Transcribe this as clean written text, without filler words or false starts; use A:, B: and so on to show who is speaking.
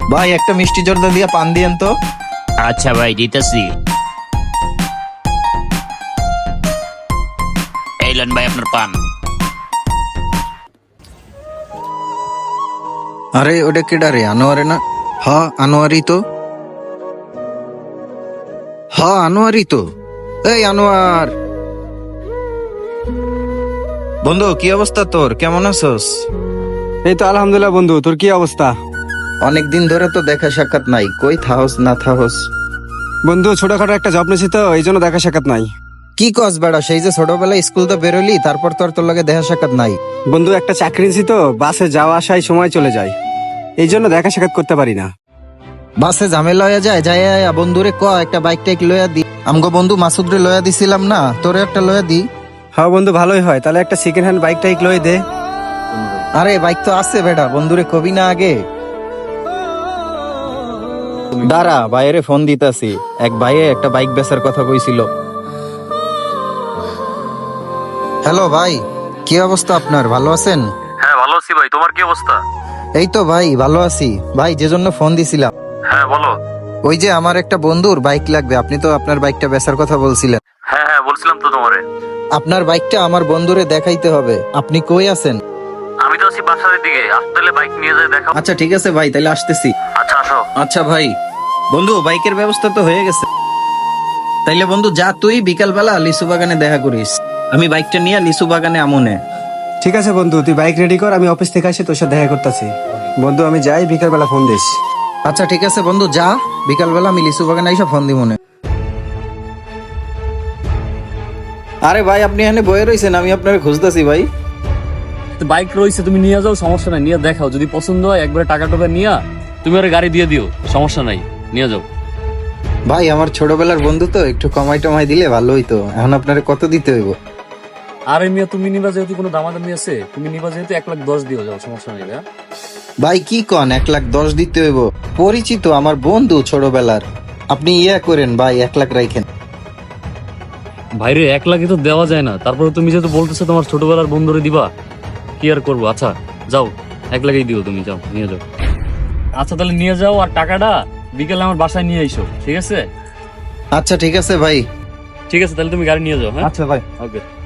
A: ভাই একটা মিষ্টি জর্দা দিয়া পান দিয়েন তো।
B: আচ্ছা ভাই দিতেছি। এই লন ভাই আপনার পান।
A: আরে ওটা কেডা রে? আনোয়ারে না? হ্যাঁ আনোয়ারই তো। হ্যাঁ আনোয়ারই তো। এই আনোয়ার বন্ধু, কি অবস্থা তোর? কেমন আছোস?
C: এই তো আলহামদুলিল্লাহ বন্ধু, তোর কি অবস্থা?
A: অনেকদিন ধরে তো দেখা সাক্ষাৎ নাই, কই থাহস না থাহস?
C: বন্ধু ছোটখাটো একটা জব নিয়েছি তো, এই জন্য দেখা সাক্ষাৎ নাই।
A: কি কস বেড়া? সেই যে ছোটবেলায় স্কুল তো বেরোলি, তারপর তো আর তোর লগে দেখা সাক্ষাৎ নাই।
C: বন্ধু একটা চাকরি নিয়েছি তো, বাসে যাওয়া আসায় সময় চলে যায়, এই জন্য দেখা সাক্ষাৎ করতে পারি না।
A: বাসে ঝামেলা হয়ে যায়, যাই বন্ধুরে ক একটা বাইক টাইক লইয়া দি। আমগো বন্ধু মাসুদরে লইয়া দিছিলাম না, তোরে একটা লইয়া দি।
C: হ্যাঁ বন্ধু ভালোই হয়, তাহলে একটা সেকেন্ড হ্যান্ড বাইক টাইক লই দে।
A: আরে বাইক তো আছে বেটা, বন্ধুরে কবি না আগে। দাঁড়া, বাইরে ফোন দিতাছি। এক ভাইয়ে একটা বাইক বেচার কথা কইছিল। হ্যালো ভাই, কি অবস্থা আপনার? ভালো আছেন?
D: হ্যাঁ ভালো আছি ভাই, তোমার কি অবস্থা?
A: এই তো ভাই ভালো আছি। ভাই যে জন্য ফোন দিছিলাম,
D: হ্যাঁ বলো।
A: ওই যে আমার একটা বন্ধুর বাইক লাগবে, আপনি তো আপনার বাইকটা বেচার কথা বলছিলেন।
D: হ্যাঁ হ্যাঁ বলছিলাম তো তোমারে।
A: আপনার বাইকটা আমার বন্ধুরে দেখাইতে হবে। আপনি কই আছেন?
D: আমি তো আছি বাসার দিকে, আসলে বাইক নিয়ে যাই দেখাও।
A: আচ্ছা ঠিক আছে ভাই, তাহলে আসতেছি।
D: আচ্ছা আসো।
A: আচ্ছা ভাই, বন্ধু বাইকের ব্যবস্থা তো হয়ে গেছে। তাইলে বন্ধু যা, তুই বিকাল বেলা লিচু বাগানে দেখা করিস, আমি বাইকটা নিয়ে লিচু বাগানে আমনে।
C: ঠিক আছে বন্ধু, তুই বাইক রেডি কর, আমি অফিস থেকে আসি তোর সাথে দেখা করতেছি। বন্ধু আমি যাই, বিকাল বেলা ফোন দিস।
A: আচ্ছা ঠিক আছে বন্ধু যা, বিকাল বেলা আমি লিচু বাগানে আইসা ফোন দিব মনে। আরে ভাই আপনি এখানে বয়ে রয়েছেন, আমি আপনার খুঁজতেছি ভাই।
E: বাইক রয়েছে, তুমি নিয়ে যাও, সমস্যা নাই, নিয়ে দেখাও, যদি পছন্দ হয় একবারে টাকা টোকা নিয়ে তুমি ওর গাড়ি দিয়ে দিও, সমস্যা নাই, নিয়ে যাও।
A: ভাই আমার ছোটবেলার বন্ধু তো, একটু কমাই টমাই দিলে ভালো হইতো। এখন আপনারে কত দিতে হইব?
E: আরে মিয়া তুমি নিবা যেহেতু, কোনো দামাদামি আছে, তুমি নিবা যেহেতু 1,10,000 দিও, যাও, সমস্যা নেই ভাইয়া।
A: ভাই কি কন 1,10,000 দিতে হইব? পরিচিত আমার বন্ধু ছোটবেলার, আপনি ইয়া করেন ভাই, 1,00,000 রাখেন।
E: ভাইরে 1,00,000 তো দেওয়া যায় না, তারপরে তুমি যেহেতু বলতেছো তোমার ছোটবেলার বন্ধুরে দিবা, কি আর করবো। আচ্ছা যাও, 1,00,000 দিও, তুমি যাও, নিয়ে যাও। আচ্ছা তাহলে নিয়ে যাও, আর টাকাটা বিকেলে আমার বাসায় নিয়ে আইসো, ঠিক আছে?
A: আচ্ছা ঠিক আছে ভাই।
E: ঠিক আছে, তাহলে তুমি গাড়ি নিয়ে যাও। হ্যাঁ
A: আচ্ছা ভাই।
E: ওকে।